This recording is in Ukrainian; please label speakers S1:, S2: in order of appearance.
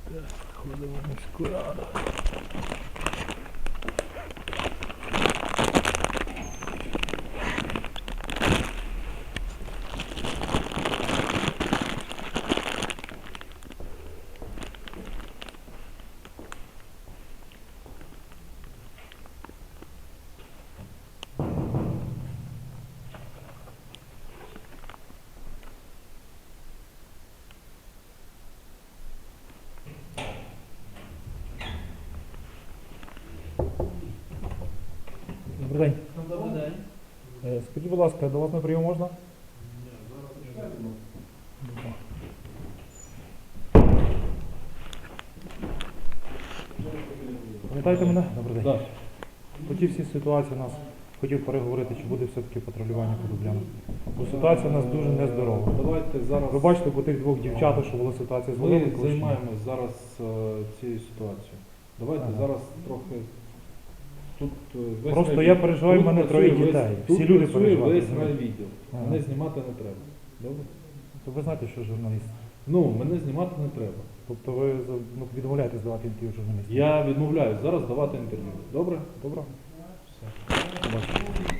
S1: Ходимо в міську раду. Добрий день.
S2: Добрий день.
S1: Скажіть, будь ласка, до вас на прийом можна? Пам'ятаєте мене? Добрий день.
S2: Так.
S1: По тій всій ситуації у нас хотів переговорити, чи буде все-таки патрулювання по Дубляну. Бо ситуація у нас дуже нездорова.
S2: Давайте зараз.
S1: Ви бачите по тих двох дівчатах, що була ситуація з
S2: Ми
S1: водою.
S2: займаємось зараз цією ситуацією. Давайте
S1: Ага.
S2: зараз трохи тут весь
S1: Просто
S2: райвідділ.
S1: я переживаю, в
S2: Тут
S1: мене
S2: працює
S1: троє
S2: весь-
S1: дітей.
S2: Тут
S1: Всі люди
S2: працює
S1: переживають.
S2: весь райвідділ.
S1: Ага.
S2: Мене знімати не треба. Добре?
S1: То ви знаєте, що журналіст.
S2: Ну, мене знімати не треба.
S1: Тобто ви відмовляєтесь давати інтерв'ю журналістам.
S2: Я відмовляюсь зараз давати інтерв'ю. Добре?
S1: Добре?
S2: Все.
S1: Побачимо.